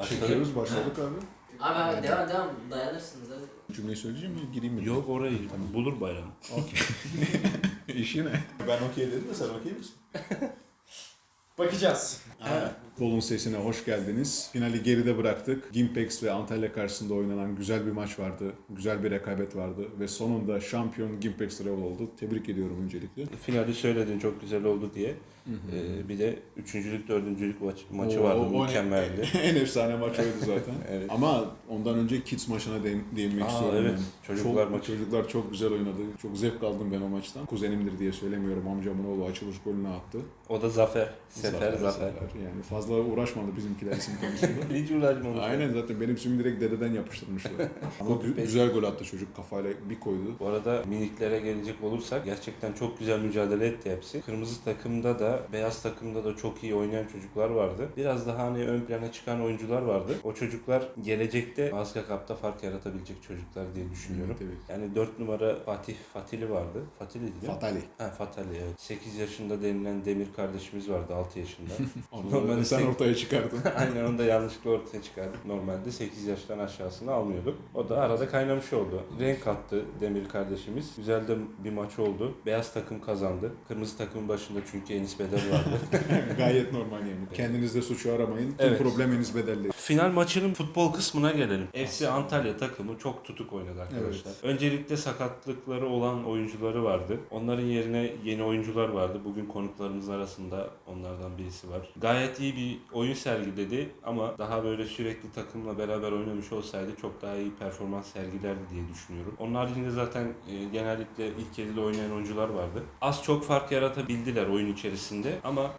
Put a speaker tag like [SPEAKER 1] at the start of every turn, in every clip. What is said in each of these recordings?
[SPEAKER 1] Çekiyoruz, başladık abi.
[SPEAKER 2] Abi devam dayanırsınız hadi.
[SPEAKER 1] Cümleyi söyleyeceğim mi? Gireyim mi?
[SPEAKER 3] Yok orayı bulur bayram.
[SPEAKER 1] Okey. İşi ne? Ben okey dedim de sen okey misin?
[SPEAKER 4] Bakacağız.
[SPEAKER 1] Gol'un sesine hoş geldiniz. Finali geride bıraktık. Gimpex ve Antalya karşısında oynanan güzel bir maç vardı. Güzel bir rekabet vardı. Ve sonunda şampiyon Gimpex Travel oldu. Tebrik ediyorum öncelikle.
[SPEAKER 3] Finali söyledin çok güzel oldu diye. Bir de üçüncülük, dördüncülük maçı vardı. Mükemmeldi.
[SPEAKER 1] En efsane maç oydu zaten.
[SPEAKER 3] Evet.
[SPEAKER 1] Ama ondan önce Kids maçına değinmek istiyorum.
[SPEAKER 3] Evet.
[SPEAKER 1] Yani.
[SPEAKER 3] Çocuklar maçı.
[SPEAKER 1] Çocuklar çok güzel oynadı. Çok zevk aldım ben o maçtan. Kuzenimdir diye söylemiyorum. Amcamın oğlu açılış golünü attı.
[SPEAKER 3] O da Zafer. Zafer.
[SPEAKER 1] Yani fazla uğraşmadı bizimkiler isim konusunda.
[SPEAKER 3] Hiç uğraşmamış.
[SPEAKER 1] Aynen zaten benim ismimi direkt dededen yapıştırmışlar. Ama güzel gol attı çocuk, kafayla bir koydu.
[SPEAKER 3] Bu arada miniklere gelecek olursak gerçekten çok güzel mücadele etti hepsi. Kırmızı takımda da beyaz takımda da çok iyi oynayan çocuklar vardı. Biraz daha hani ön plana çıkan oyuncular vardı. O çocuklar gelecekte Azka Cup'ta fark yaratabilecek çocuklar diye düşünüyorum.
[SPEAKER 1] Evet.
[SPEAKER 3] Yani 4 numara Fatili vardı. Fatili değil mi?
[SPEAKER 1] Fatali.
[SPEAKER 3] Fatali evet. 8 yaşında denilen Demir kardeşimiz vardı 6 yaşında.
[SPEAKER 1] Onu
[SPEAKER 3] Normalde
[SPEAKER 1] sen
[SPEAKER 3] 8
[SPEAKER 1] ortaya çıkardın.
[SPEAKER 3] Aynen onu da yanlışlıkla ortaya çıkardık. Normalde 8 yaştan aşağısını almıyorduk. O da arada kaynamış oldu. Renk kattı Demir kardeşimiz. Güzel de bir maç oldu. Beyaz takım kazandı. Kırmızı takımın başında çünkü Enis Bedel vardı.
[SPEAKER 1] Gayet normal yani. Kendinizde suçu aramayın. Tüm
[SPEAKER 3] Evet.
[SPEAKER 1] problem Enis Bedel'de.
[SPEAKER 3] Final maçının futbol kısmına gelelim. FC Antalya takımı çok tutuk oynadı arkadaşlar.
[SPEAKER 1] Evet.
[SPEAKER 3] Öncelikle sakatlıkları olan oyuncuları vardı. Onların yerine yeni oyuncular vardı. Bugün konuklarımız arasında onlardan birisi var. Gayet iyi bir oyun sergiledi ama daha böyle sürekli takımla beraber oynamış olsaydı çok daha iyi performans sergilerdi diye düşünüyorum. Onun haricinde zaten genellikle ilk yarıda oynayan oyuncular vardı. Az çok fark yaratabildiler oyun içerisinde ama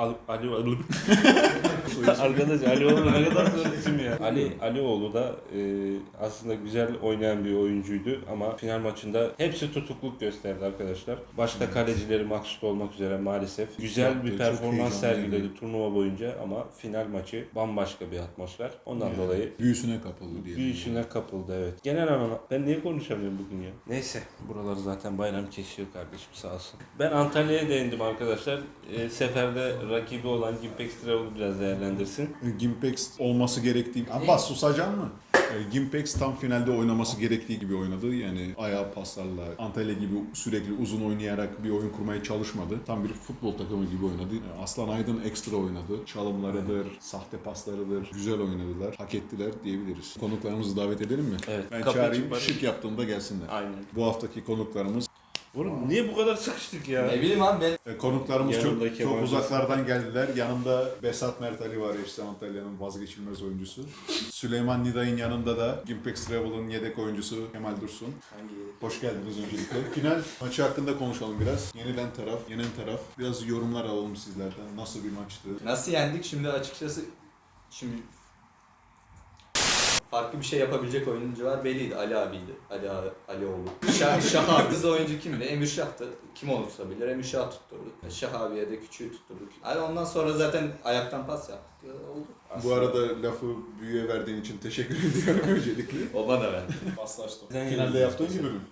[SPEAKER 3] Arkadaş Alioğlu ne kadar zor isim ya. Alioğlu da aslında güzel oynayan bir oyuncuydu ama final maçında hepsi tutukluk gösterdi arkadaşlar. Başta kalecileri maksut olmak üzere maalesef. Güzel bir
[SPEAKER 1] Çok
[SPEAKER 3] performans
[SPEAKER 1] heyecanlıydı.
[SPEAKER 3] sergiledi turnuva boyunca ama final maçı bambaşka bir atmosfer. Ondan dolayı
[SPEAKER 1] Büyüsüne kapıldı diye.
[SPEAKER 3] büyüsüne kapıldı evet. Genel anlamda ben niye konuşamıyorum bugün ya? Neyse buraları zaten bayram kesiyor kardeşim sağ olsun. Ben Antalya'ya değindim arkadaşlar. Seferde rakibi olan Gimpex Travel biraz değerlendirsin.
[SPEAKER 1] Gimpex olması gerektiği... Abbas susacaksın mı? Gimpex tam finalde oynaması gerektiği gibi oynadı. Yani ayağı paslarla, Antalya gibi sürekli uzun oynayarak bir oyun kurmaya çalışmadı. Tam bir futbol takımı gibi oynadı. Aslan Aydın ekstra oynadı. Çalımlarıdır, sahte paslarıdır. Güzel oynadılar. Hak ettiler diyebiliriz. Konuklarımızı davet edelim mi?
[SPEAKER 3] Evet.
[SPEAKER 1] Ben
[SPEAKER 3] Kapı
[SPEAKER 1] çağırayım,
[SPEAKER 3] açık
[SPEAKER 1] şık yaptığımda gelsinler.
[SPEAKER 3] Aynen.
[SPEAKER 1] Bu haftaki konuklarımız
[SPEAKER 3] Oğlum niye bu kadar sıkıştık ya?
[SPEAKER 4] Ne bileyim abi ben.
[SPEAKER 1] Konuklarımız
[SPEAKER 3] Yanındaki
[SPEAKER 1] çok
[SPEAKER 3] yabancı.
[SPEAKER 1] uzaklardan geldiler. Yanımda Besat Mert Ali var, FC Antalya'nın vazgeçilmez oyuncusu. Süleyman Niday'ın yanında da Gimpex Travel'ın yedek oyuncusu Kemal Dursun. Hoş geldiniz öncelikle. Final maçı hakkında konuşalım biraz. Yenilen taraf, yenen taraf. Biraz yorumlar alalım sizlerden. Nasıl bir maçtı?
[SPEAKER 4] Nasıl yendik şimdi açıkçası farklı bir şey yapabilecek oyuncular belliydi. Ali abiydi. Alioğlu. Şah artı oyuncu kimdi? Emir Şah'tı. Kim olursa bilir. Emir Şah tutturdu. Şah abiye de küçüğü tutturduk. Hani ondan sonra zaten ayaktan pas yaptık. Oldu.
[SPEAKER 1] Bu arada lafı büyüye verdiğin için teşekkür ediyorum öncelikle.
[SPEAKER 4] O bana verdi.
[SPEAKER 5] Paslaştım.
[SPEAKER 1] Finalde yaptığın gibi mi?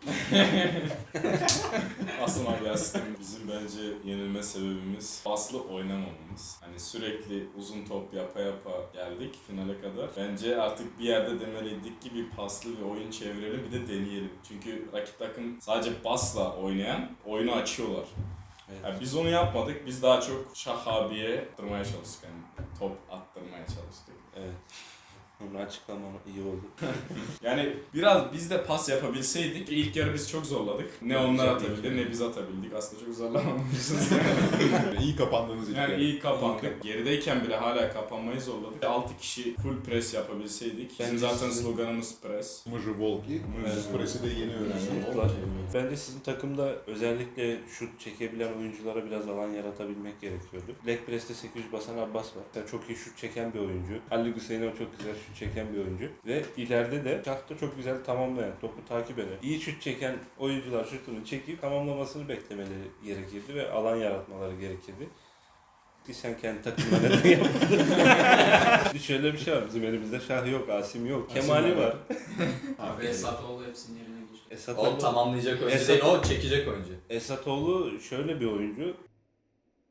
[SPEAKER 5] Aslında gerçekten bizim bence yenilme sebebimiz paslı oynamamamız. Hani sürekli uzun top yapa geldik finale kadar. Bence artık bir yerde demeliydik ki bir paslı bir oyun çevirelim bir de deneyelim. Çünkü rakip takım sadece pasla oynayan oyunu açıyorlar.
[SPEAKER 3] Evet.
[SPEAKER 5] Yani biz onu yapmadık. Biz daha çok Şah abiye attırmaya çalıştık. Yani top attırmaya çalıştık.
[SPEAKER 3] Evet. Bunu açıklamam iyi oldu.
[SPEAKER 5] Yani biraz biz de pas yapabilseydik. İlk yarı biz çok zorladık. Ne onlar atabildi ne biz atabildik. Aslında çok zorlamamışız.
[SPEAKER 1] İyi kapandığınız için.
[SPEAKER 5] Yani iyi kapandık. Gerideyken bile hala kapanmayı zorladık. 6 kişi full press yapabilseydik. Bizim zaten sloganımız press.
[SPEAKER 1] Mıcı Volki.
[SPEAKER 3] Evet.
[SPEAKER 1] Presi de yeni öğrendim.
[SPEAKER 3] Ben de sizin takımda özellikle şut çekebilen oyunculara biraz alan yaratabilmek gerekiyordu. Leg press'te 800 basan Abbas var. Yani çok iyi şut çeken bir oyuncu. Ali Hüseyin'e çok güzel şut çeken bir oyuncu. Ve ileride de şahta çok güzel tamamlayan, topu takip eden, iyi şut çeken oyuncular şutunu çekip tamamlamasını beklemeleri gerekirdi ve alan yaratmaları gerekirdi. Ki sen kendi takımına neden yapmadın? Şöyle bir şey var, bizim elimizde Şah yok, Asim yok, Kemali var.
[SPEAKER 2] Abi Esatoğlu hepsinin yerine gir.
[SPEAKER 4] O tamamlayacak oyuncu değil, o çekecek oyuncu.
[SPEAKER 3] Esatoğlu şöyle bir oyuncu.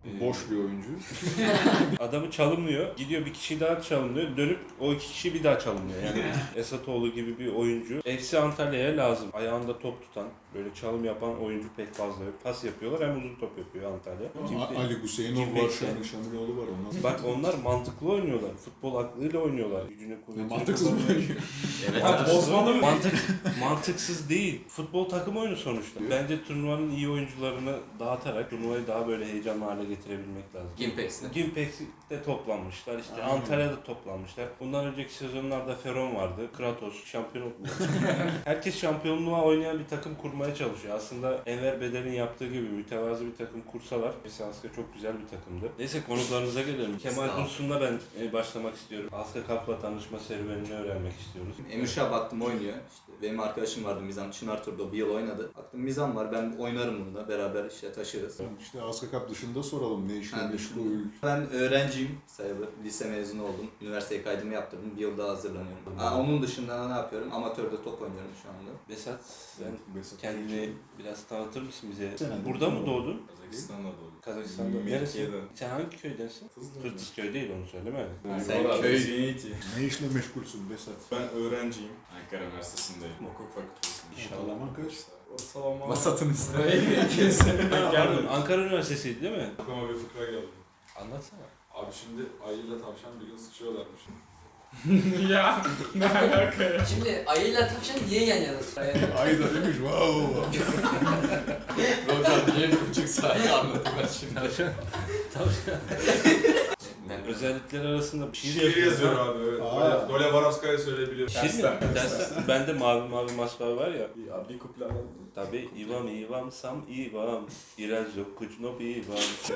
[SPEAKER 1] Boş bir oyuncu.
[SPEAKER 3] Adamı çalımlıyor. Gidiyor bir kişi daha çalımlıyor. Dönüp o iki kişi bir daha çalımlıyor. Yani Esatoğlu gibi bir oyuncu. FC Antalya'ya lazım. Ayağında top tutan, böyle çalım yapan oyuncu pek fazla yok. Pas yapıyorlar hem uzun top yapıyor Antalya.
[SPEAKER 1] Ali Hüseyinov var,
[SPEAKER 3] Gimpex'te.
[SPEAKER 1] Şamiloğlu var onlar.
[SPEAKER 3] Bak onlar mantıklı oynuyorlar. Futbol aklıyla oynuyorlar. Gücünü kuvvetini.
[SPEAKER 1] Mantıksız mı oynuyor?
[SPEAKER 4] Evet.
[SPEAKER 3] Osmanlı mantıksız değil. Futbol takım oyunu sonuçta. Bence turnuvanın iyi oyuncularını dağıtarak turnuvayı daha böyle heyecanlı hale getirebilmek lazım.
[SPEAKER 4] Gimpex'te.
[SPEAKER 3] Gimpex'te toplanmışlar. İşte
[SPEAKER 1] Aynen.
[SPEAKER 3] Antalya'da toplanmışlar. Bundan önceki sezonlarda Feron vardı. Kratos şampiyon oldu. Herkes şampiyonluğa oynayan bir takım kurmaya çalışıyor. Aslında Enver Bedel'in yaptığı gibi mütevazı bir takım kursalar. Aska çok güzel bir takımdı. Neyse konuklarınıza gelelim. Kemal
[SPEAKER 4] Sağ ol.
[SPEAKER 3] Dursun'la ben başlamak istiyorum. Aska Cup'la tanışma serüvenini öğrenmek istiyoruz.
[SPEAKER 4] Emirşah baktım oynuyor. İşte benim arkadaşım vardı Mizan Çınar Tur'da bir yıl oynadı. Baktım Mizan var ben oynarım bununla beraber işte taşırız.
[SPEAKER 1] İşte Aska Cup dışında soralım ne işle
[SPEAKER 4] Ha,
[SPEAKER 1] meşgul.
[SPEAKER 4] Ben öğrenciyim sayılır. Lise mezunu oldum. Üniversiteye kaydımı yaptırdım. Bir yıl daha hazırlanıyorum. Onun dışında ne yapıyorum? Amatörde top oynuyorum şu anda.
[SPEAKER 3] Besat sen
[SPEAKER 1] Besat.
[SPEAKER 3] kendini biraz tanıtır mısın bize?
[SPEAKER 1] Sen
[SPEAKER 3] Burada mı doğdun?
[SPEAKER 5] Kazakistan'da doğdum.
[SPEAKER 3] Kazakistan'da. Neresi?
[SPEAKER 5] Mekke'de.
[SPEAKER 3] Sen hangi köydensin? Kırtızköy değil onu söyleme.
[SPEAKER 4] Sen
[SPEAKER 5] Orada
[SPEAKER 4] köy-
[SPEAKER 5] Zeytin'i.
[SPEAKER 1] Ne işle meşgulsün Besat?
[SPEAKER 5] Ben öğrenciyim. Ankara Üniversitesi'ndeyim. Hukuk fakültesinde.
[SPEAKER 3] İnşallah.
[SPEAKER 1] Ortalama kaç?
[SPEAKER 5] Ortalama.
[SPEAKER 4] Vasatın üstüne.
[SPEAKER 5] Gelmedim.
[SPEAKER 3] Ankara Üniversitesi'ydi değil mi?
[SPEAKER 6] Aklıma bir fıkra geldi.
[SPEAKER 3] Anlatsana.
[SPEAKER 6] Abi şimdi ayıyla tavşan bir gün sıçıyorlarmış.
[SPEAKER 5] Ya ne alaka ya?
[SPEAKER 2] Şimdi ayıyla tavşan niye yan yana?
[SPEAKER 1] Ay da demiş wow.
[SPEAKER 4] Hocam niye 1,5 saat anladım ben şimdi.
[SPEAKER 3] Tavşan. Özellikler arasında bir şey
[SPEAKER 6] Şiir yazıyor
[SPEAKER 3] ha?
[SPEAKER 6] abi. Evet.
[SPEAKER 1] Aa.
[SPEAKER 6] Dole Varavskaya söyleyebiliyor.
[SPEAKER 3] Şiir mi? Dersten. Bende mavi mavi masmavi var ya.
[SPEAKER 6] Bir kuple alalım.
[SPEAKER 3] Tabi Ivam sam Ivam. İraz yok kuçnop Ivam.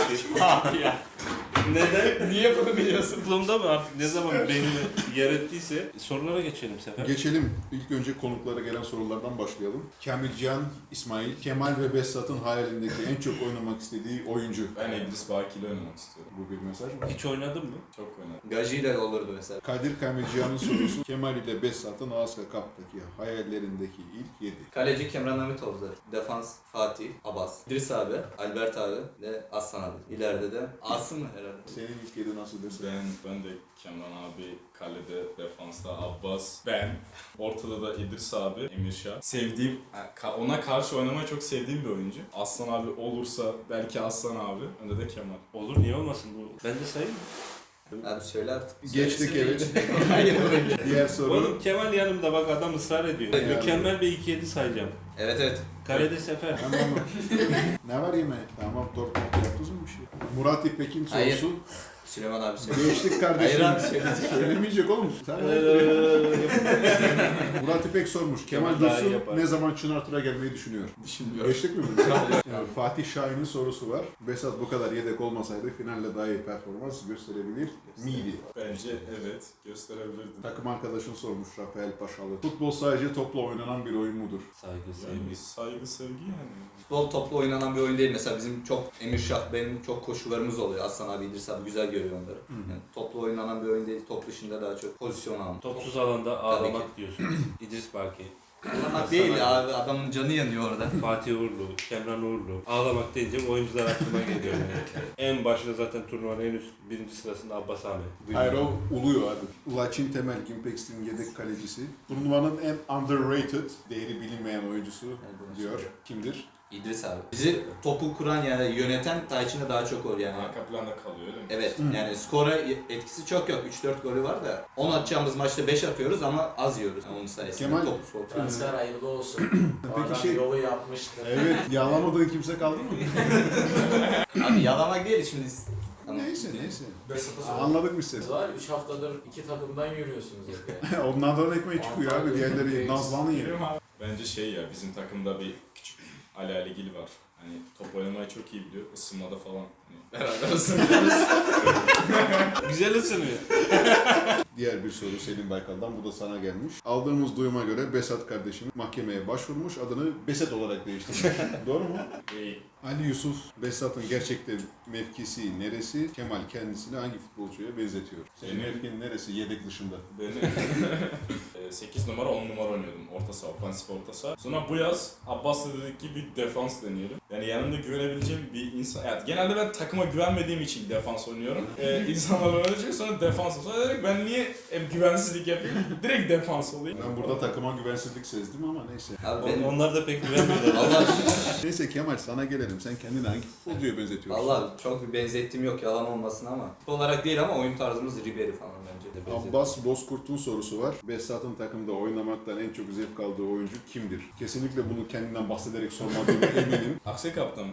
[SPEAKER 3] Neden?
[SPEAKER 4] Niye bunu biliyorsun?
[SPEAKER 3] Aklımda mı artık ne zaman beynimi yer ettiyse sorulara geçelim Sefer.
[SPEAKER 1] Geçelim. İlk önce konuklara gelen sorulardan başlayalım. Kamilcan, İsmail, Kemal ve Besat'ın hayalindeki en çok oynamak istediği oyuncu.
[SPEAKER 5] Ben İdris Baki ile oynamak istiyorum.
[SPEAKER 1] Bu bir mesaj mı?
[SPEAKER 3] Hiç oynadın mı?
[SPEAKER 5] Çok oynadım.
[SPEAKER 4] Gaji ile olurdu mesela.
[SPEAKER 1] Kadir Kamilcan'ın sorusu Kemal ile Besat'ın Aska Cup'taki hayallerindeki ilk 7.
[SPEAKER 4] Kaleci Kemran Hamitoğlu. Defans Fatih, Abbas, İdris abi, Albert abi ve Aslan abi. İleride de Asım mı herhalde?
[SPEAKER 1] Senin ilk 7 nasıl Besat?
[SPEAKER 5] Ben de Kemal abi, kalede, defansta Abbas, ben, ortada da İdris abi, Emirşah. Sevdiğim, ona karşı oynamayı çok sevdiğim bir oyuncu. Aslan abi olursa belki Aslan abi, önde de Kemal.
[SPEAKER 3] Olur niye olmasın bu? Ben de sayayım mı?
[SPEAKER 4] Abi söyle artık.
[SPEAKER 1] Geçtik evet.
[SPEAKER 4] Hayır öyle.
[SPEAKER 1] Diğer soru.
[SPEAKER 3] Oğlum Kemal yanımda bak adam ısrar ediyor.
[SPEAKER 1] Evet.
[SPEAKER 3] Mükemmel bir 2-7 sayacağım.
[SPEAKER 4] Evet.
[SPEAKER 3] Kalede Sefer.
[SPEAKER 1] Tamam mı? Ne var yemeğe? Tamam dört yaptınız mı bir şey? Murat İpek'in
[SPEAKER 4] Hayır.
[SPEAKER 1] sorusu.
[SPEAKER 4] Süleyman abi söyle.
[SPEAKER 1] Geçtik kardeşim.
[SPEAKER 4] Hayır abi söyleyecek.
[SPEAKER 1] Söylemeyecek oğlum. Sen Murat İpek sormuş. Kemal
[SPEAKER 3] Kemal daha iyi
[SPEAKER 1] Dursun
[SPEAKER 3] yapar.
[SPEAKER 1] ne zaman Çınartır'a gelmeyi düşünüyor?
[SPEAKER 4] Düşünmüyorum.
[SPEAKER 1] Geçtik mi bunu? Yani Fatih Şahin'in sorusu var. Besat bu kadar yedek olmasaydı finalde daha iyi performans gösterebilir miydi?
[SPEAKER 5] Bence evet, gösterebilirdim.
[SPEAKER 1] Takım arkadaşın sormuş Rafael Paşalı. Futbol sadece topla oynanan bir oyun mudur?
[SPEAKER 3] Saygı,
[SPEAKER 5] Yani
[SPEAKER 3] sevgi.
[SPEAKER 5] saygı, sevgi yani.
[SPEAKER 4] Futbol toplu oynanan bir oyun değil. Mesela bizim çok Emirşah, benim çok koşularımız oluyor. Aslan abi, İdris abi güzel görüyor onları. Yani toplu oynanan bir oyun değil. Top dışında daha çok pozisyon alma.
[SPEAKER 3] Topsuz alanda ağlamak diyorsun. İdris Baki,
[SPEAKER 4] Ağlamak değil abi. Adamın canı yanıyor orada.
[SPEAKER 3] Fatih Uğurlu, Kemran Uğurlu. Ağlamak deyince oyuncular aklıma geliyor. Yani. En başta zaten turnuvanın en üst birinci sırasında Abbas Ahmet.
[SPEAKER 1] Hayır o uluyor abi. Laçin Temel, Gimpex'in yedek kalecisi. Turnuvanın en underrated, değeri bilinmeyen oyuncusu diyor. Kimdir?
[SPEAKER 4] İdris abi. Bizi topu kuran yani yöneten Tayçin'e daha çok oluyor yani.
[SPEAKER 5] Arka planda kalıyor öyle mi?
[SPEAKER 4] Evet yani skora etkisi çok yok. 3-4 golü var da 10 atacağımız maçta 5 atıyoruz ama az yiyoruz. Yani onun sayesinde
[SPEAKER 1] Kemal-
[SPEAKER 4] topu soğutuyoruz.
[SPEAKER 2] Transfer hayırlı olsun. Bu
[SPEAKER 1] Peki
[SPEAKER 2] adam
[SPEAKER 1] şey-
[SPEAKER 2] yolu yapmıştır.
[SPEAKER 1] Evet, yağlamadığın kimse kaldı mı?
[SPEAKER 4] Abi yalamak değil şimdi. Tamam.
[SPEAKER 1] Neyse.
[SPEAKER 6] Besat'a sor.
[SPEAKER 1] Anladık biz seni.
[SPEAKER 2] Siz var 3 haftadır 2 takımdan yürüyorsunuz hep ya.
[SPEAKER 1] Onlardan ekmeği çıkıyor abi. Diğerleri nazlanı yer.
[SPEAKER 5] Bence şey ya, bizim takımda bir küçük Ali Aligil var. Hani top oynamayı çok iyi biliyor. Isınmada falan. Hani beraber ısınıyoruz.
[SPEAKER 3] Güzel ısınıyor.
[SPEAKER 1] Diğer bir soru Selim Baykal'dan. Bu da sana gelmiş. Aldığımız duyuma göre Besat kardeşim mahkemeye başvurmuş. Adını Besat olarak değiştirmiş. Doğru mu?
[SPEAKER 5] Değil.
[SPEAKER 1] Ali Yusuf, Besat'ın gerçekten mevkisi neresi? Kemal kendisini hangi futbolcuya benzetiyor? Senin
[SPEAKER 5] Benim-
[SPEAKER 1] mevkin neresi yedek dışında?
[SPEAKER 5] Benim 8 numara 10 numara oynuyordum. Orta saha, ofansif orta saha. Sonra bu yaz Abbas'la dedik ki bir defans deneyelim. Yani yanımda güvenebileceğim bir insan. Yani genelde ben takıma güvenmediğim için defans oynuyorum. İnsanlarla oynayacak sonra defans. Sonra dedik ben niye hep güvensizlik yapayım? Direkt defans olayım.
[SPEAKER 1] Ben burada takıma güvensizlik sezdim ama neyse.
[SPEAKER 4] Abi benim
[SPEAKER 3] Onlar da pek güvenmiyorlar.
[SPEAKER 4] Valla
[SPEAKER 1] Neyse Kemal sana gelelim. Sen kendini hangi futbolcuya benzetiyorsun?
[SPEAKER 4] Valla çok bir benzettiğim yok yalan olmasın ama. Futbol olarak değil ama oyun tarzımız Ribery falan bence de benziyor.
[SPEAKER 1] Abbas Bozkurt'un sorusu var. Behzat'ın takımda oynamaktan en çok zevk aldığı oyuncu kimdir? Kesinlikle bunu kendinden bahsederek sormadığına eminim.
[SPEAKER 5] Aksi kaptanım.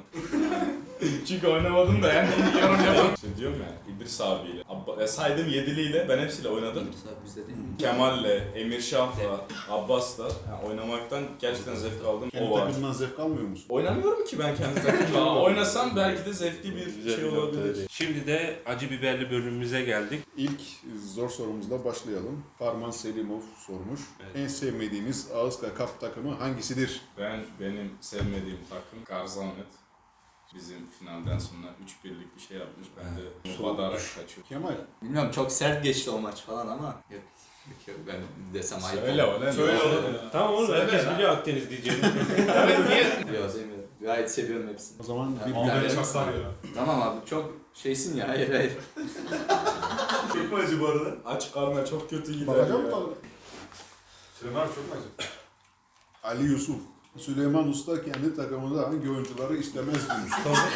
[SPEAKER 5] Çünkü oynamadım da yani yorum yapamam. İşte diyorum ya İdris abiyle, saydım yediliyle ben hepsiyle oynadım.
[SPEAKER 4] Bizde değil mi?
[SPEAKER 5] Kemal'le, Emir Şah'la, Abbas'la yani oynamaktan gerçekten zevk aldım.
[SPEAKER 1] Kendi
[SPEAKER 5] O var.
[SPEAKER 1] takımından zevk almıyor musun?
[SPEAKER 5] Oynamıyorum ki ben kendi takımda. Oynasam belki de zevkli bir
[SPEAKER 3] Güzel
[SPEAKER 5] şey
[SPEAKER 3] bir nokta
[SPEAKER 5] olabilir.
[SPEAKER 3] dedi. Şimdi de acı biberli bölümümüze geldik.
[SPEAKER 1] İlk zor sorumuzla başlayalım. Farman Selimov sormuş.
[SPEAKER 3] Evet.
[SPEAKER 1] En sevmediğiniz Ağızka Cup takımı hangisidir?
[SPEAKER 5] Benim sevmediğim takım Garzannet. Bizim finalden sonra 3-1'lik bir şey yapmış. Ben de badarak kaçıyorum.
[SPEAKER 1] Kemal.
[SPEAKER 4] Bilmiyorum çok sert geçti o maç falan ama yok ben desem ayıp
[SPEAKER 5] Söyle
[SPEAKER 4] olur.
[SPEAKER 5] öyle.
[SPEAKER 6] Söyle oğlum ya.
[SPEAKER 3] Tamam oğlum
[SPEAKER 6] Söyle
[SPEAKER 3] herkes
[SPEAKER 6] ya.
[SPEAKER 3] biliyor Akdeniz diyeceğini.
[SPEAKER 4] Yok demiyorum. Gayet seviyorum hepsini.
[SPEAKER 1] O zaman bir
[SPEAKER 6] Ama
[SPEAKER 4] tane
[SPEAKER 6] beni
[SPEAKER 4] çok
[SPEAKER 6] çaklar ya.
[SPEAKER 4] Tamam abi çok şeysin ya hayır.
[SPEAKER 6] Çok mu acı bu arada?
[SPEAKER 5] Aç karnına çok kötü gider
[SPEAKER 1] bakacağım
[SPEAKER 5] ya.
[SPEAKER 1] mı?
[SPEAKER 6] Süleyman abi çok mu acı?
[SPEAKER 1] Ali Yusuf. Süleyman Usta kendi takımında hangi oyuncuları istemez demiş.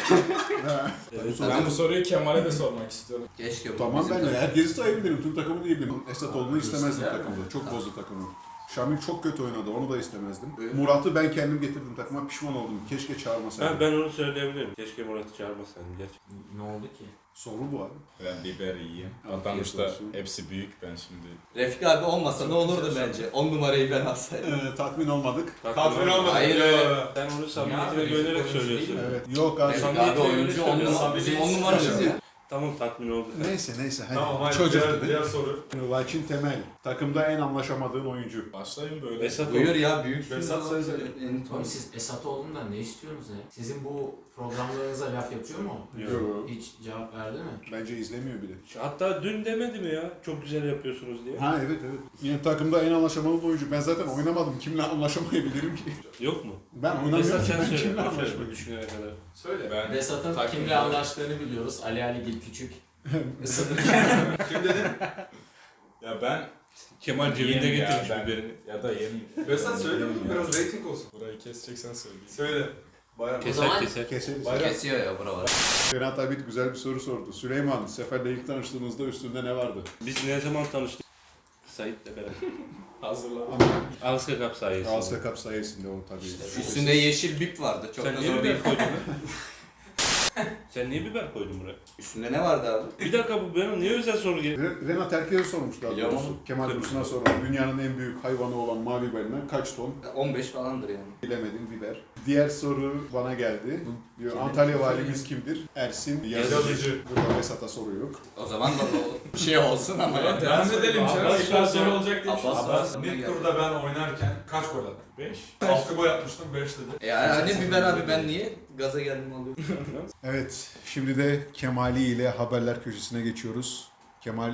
[SPEAKER 1] Ha.
[SPEAKER 3] Evet.
[SPEAKER 5] Ben bu soruyu Kemal'e de sormak istiyorum.
[SPEAKER 4] Keşke bu
[SPEAKER 1] Tamam
[SPEAKER 4] bizim
[SPEAKER 1] ben de
[SPEAKER 4] takım-
[SPEAKER 1] herkesi sayabilirim. Tüm takımı diyebilirim. Esatoğlu'nu istemezdim takımda. Çok bozdu takımı. Şamil çok kötü oynadı. Onu da istemezdim.
[SPEAKER 4] Evet.
[SPEAKER 1] Murat'ı ben kendim getirdim takıma. Pişman oldum. Keşke çağırmasaydım.
[SPEAKER 3] Ben onu söyleyebilirim. Keşke Murat'ı çağırmasaydım gerçekten.
[SPEAKER 2] Ne oldu ki?
[SPEAKER 1] Soru bu abi.
[SPEAKER 5] Ben biber yiyeyim.
[SPEAKER 1] Afiyet
[SPEAKER 5] Adanmış'ta
[SPEAKER 1] olsun.
[SPEAKER 5] hepsi büyük ben şimdi.
[SPEAKER 4] Refik abi olmasa ne olurdu bence? 10 numarayı ben alsaydım.
[SPEAKER 1] Tatmin olmadık.
[SPEAKER 6] Tatmin olmadı.
[SPEAKER 4] Hayır öyle.
[SPEAKER 3] Sen onu samimiyetine
[SPEAKER 2] Ya,
[SPEAKER 3] güvenerek
[SPEAKER 2] oyuncu
[SPEAKER 3] söylüyorsun.
[SPEAKER 2] değil mi?
[SPEAKER 1] Evet. Yok abi.
[SPEAKER 4] Refik
[SPEAKER 3] Samimiyetine
[SPEAKER 4] abi
[SPEAKER 3] göre
[SPEAKER 4] oyuncu 10
[SPEAKER 3] söylüyorsun.
[SPEAKER 4] numara. Bizim 10 numaramız ya.
[SPEAKER 3] Tamam tatmin oldum.
[SPEAKER 1] Neyse. Hadi.
[SPEAKER 6] Tamam hayır.
[SPEAKER 1] Çocuk
[SPEAKER 6] Diğer,
[SPEAKER 1] dedi.
[SPEAKER 6] diğer soru.
[SPEAKER 1] Lakin Temel. Takımda en anlaşamadığın oyuncu.
[SPEAKER 5] Başlayın böyle.
[SPEAKER 3] Esat
[SPEAKER 4] Buyur ya büyük
[SPEAKER 6] Behzat söyle.
[SPEAKER 2] Oğlum siz Esatoğlu'ndan ne istiyorsunuz ya? Sizin bu programlarınıza laf yapıyor mu?
[SPEAKER 1] Yok.
[SPEAKER 2] Hiç cevap verdi mi?
[SPEAKER 1] Bence izlemiyor bile.
[SPEAKER 3] Hatta dün demedi mi ya? Çok güzel yapıyorsunuz diye.
[SPEAKER 1] Ha evet. Yine takımda en anlaşamalı oyuncu. Ben zaten oynamadım. Kimle anlaşamayabilirim ki?
[SPEAKER 3] Yok mu?
[SPEAKER 1] Ben
[SPEAKER 3] Esat
[SPEAKER 1] oynamıyorum.
[SPEAKER 3] sen
[SPEAKER 1] Ben
[SPEAKER 3] söyle.
[SPEAKER 1] kimle
[SPEAKER 3] Aferin,
[SPEAKER 1] anlaşmayayım?
[SPEAKER 3] düşünene kadar.
[SPEAKER 6] Söyle.
[SPEAKER 5] Ben
[SPEAKER 2] Vesat'ın
[SPEAKER 5] takım
[SPEAKER 2] kimle
[SPEAKER 5] olarak-
[SPEAKER 2] anlaştığını biliyoruz. Ali Aligil Küçük. Isınır.
[SPEAKER 6] Kim dedin?
[SPEAKER 5] Ya ben
[SPEAKER 3] Kemal cebinde
[SPEAKER 5] yiyeyim ya,
[SPEAKER 3] getirmiş
[SPEAKER 5] ben-
[SPEAKER 3] biberini.
[SPEAKER 5] Ya da yerim.
[SPEAKER 6] Behzat söyle mi?
[SPEAKER 5] Yiyeyim ya.
[SPEAKER 6] Biraz rating olsun.
[SPEAKER 5] Burayı keseceksen söyleyeyim.
[SPEAKER 6] Söyle. Bayağı.
[SPEAKER 3] Keser
[SPEAKER 2] zaman-
[SPEAKER 3] keser.
[SPEAKER 1] Keseriz.
[SPEAKER 4] Kesiyor ya buralar.
[SPEAKER 1] Ferhat Abid güzel bir soru sordu. Süleyman, Sefer'le ilk tanıştığınızda üstünde ne vardı?
[SPEAKER 3] Biz ne zaman tanıştık? Sait'le beraber.
[SPEAKER 5] Hazırlan.
[SPEAKER 3] Ağızka Kap sayesinde.
[SPEAKER 1] Ağızka Cup sayesinde o tabii.
[SPEAKER 4] Üstünde yeşil bip vardı. Çok
[SPEAKER 3] Sen
[SPEAKER 4] da
[SPEAKER 3] niye
[SPEAKER 4] zor
[SPEAKER 3] biber
[SPEAKER 4] değil.
[SPEAKER 3] koydun lan? Sen niye biber koydun buraya?
[SPEAKER 4] Üstünde ne vardı abi?
[SPEAKER 3] Bir dakika bu benim niye özel soru geliyor?
[SPEAKER 1] Renat Erkez'e sormuş daha
[SPEAKER 4] Biliyorum
[SPEAKER 1] doğrusu.
[SPEAKER 4] onu.
[SPEAKER 1] Kemal Dursun'a sormuş. Dünyanın en büyük hayvanı olan mavi balina kaç ton?
[SPEAKER 4] 15 falandır yani.
[SPEAKER 1] Bilemedim biber. Diğer soru bana geldi. Diyor,
[SPEAKER 2] Kim?
[SPEAKER 1] Antalya valimiz kimdir? Ersin Yazıcı.
[SPEAKER 6] Yazıcı.
[SPEAKER 1] Burada Vesat'a soru yok.
[SPEAKER 4] O zaman da bir şey olsun ama ya.
[SPEAKER 5] Devam edelim.
[SPEAKER 6] Abbas
[SPEAKER 5] Tekrar soru
[SPEAKER 6] soru
[SPEAKER 5] olacak diye bir şey.
[SPEAKER 4] Abbas.
[SPEAKER 6] İlk turda ben oynarken kaç gol attım?
[SPEAKER 5] 5.
[SPEAKER 6] 6 gol atmıştım 5 dedi.
[SPEAKER 4] Yani hani biber abi ben niye gaza geldim alıyorum?
[SPEAKER 1] Evet, şimdi de Kemali ile haberler köşesine geçiyoruz. Kemal,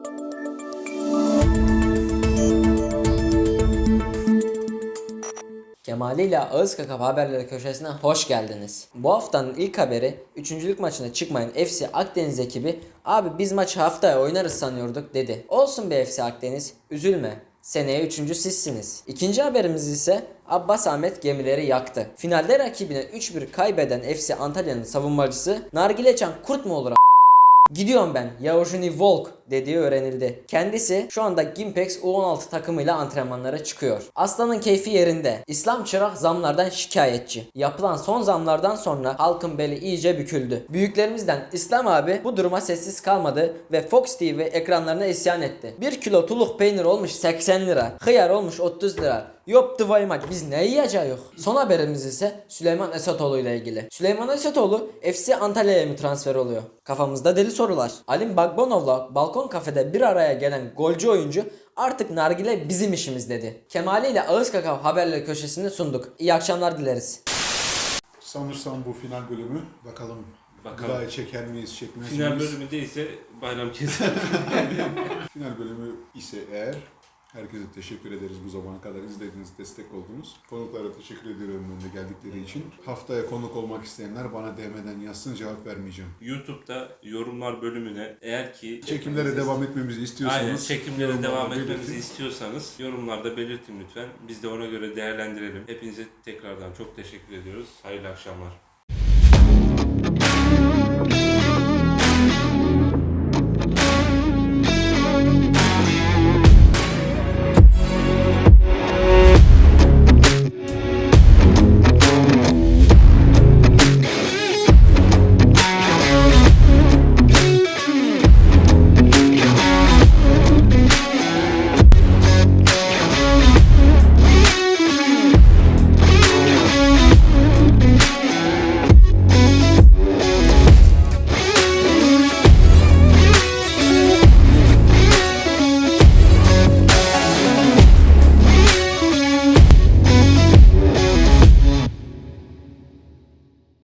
[SPEAKER 7] Kemali ile Ağız Kakap Haberleri köşesine hoş geldiniz. Bu haftanın ilk haberi 3. maçına çıkmayan FC Akdeniz ekibi "Abi biz maçı haftaya oynarız sanıyorduk" dedi. Olsun be FC Akdeniz, üzülme. Seneye 3. sizsiniz. İkinci haberimiz ise Abbas Ahmet gemileri yaktı. Finalde rakibine 3-1 kaybeden FC Antalya'nın savunmacısı "Nargileçan kurt mu olur Gidiyorum ben. Yavuzuni Volk" dediği öğrenildi. Kendisi şu anda Gimpex U16 takımıyla antrenmanlara çıkıyor. Aslanın keyfi yerinde. İslam Çırak zamlardan şikayetçi. Yapılan son zamlardan sonra halkın beli iyice büküldü. Büyüklerimizden İslam abi bu duruma sessiz kalmadı ve Fox TV ekranlarına isyan etti. 1 kilo tuluk peynir olmuş 80 lira. Hıyar olmuş 30 lira. Yoptu vaymak biz ne yiyeceğiz? Son haberimiz ise Süleyman Esatoğlu ile ilgili. Süleyman Esatoğlu FC Antalya'ya mı transfer oluyor? Kafamızda deli sorular. Alim Bagbonov'la balkon kafede bir araya gelen golcü oyuncu "Artık nargile bizim işimiz" dedi. Kemali ile Ağız Kakao Haberleri köşesini sunduk. İyi akşamlar dileriz.
[SPEAKER 1] sanırsam bu final bölümü. Bakalım.
[SPEAKER 3] Bakalım.
[SPEAKER 1] Daha çeker miyiz, çekmez
[SPEAKER 3] Final
[SPEAKER 1] miyiz?
[SPEAKER 3] bölümü değilse bayram keser.
[SPEAKER 1] Final bölümü ise eğer Herkese teşekkür ederiz bu zamana kadar izlediğiniz, destek oldunuz. Konuklara teşekkür ediyorum önüne geldikleri için. Haftaya konuk olmak isteyenler bana DM'den yazsın, cevap vermeyeceğim.
[SPEAKER 3] YouTube'da yorumlar bölümüne eğer ki
[SPEAKER 1] Çekimlere devam etmemizi istiyorsanız,
[SPEAKER 3] aynen çekimlere
[SPEAKER 1] yorumlarda
[SPEAKER 3] devam
[SPEAKER 1] belirtin.
[SPEAKER 3] etmemizi istiyorsanız yorumlarda belirtin lütfen. Biz de ona göre değerlendirelim. Hepinize tekrardan çok teşekkür ediyoruz. Hayırlı akşamlar.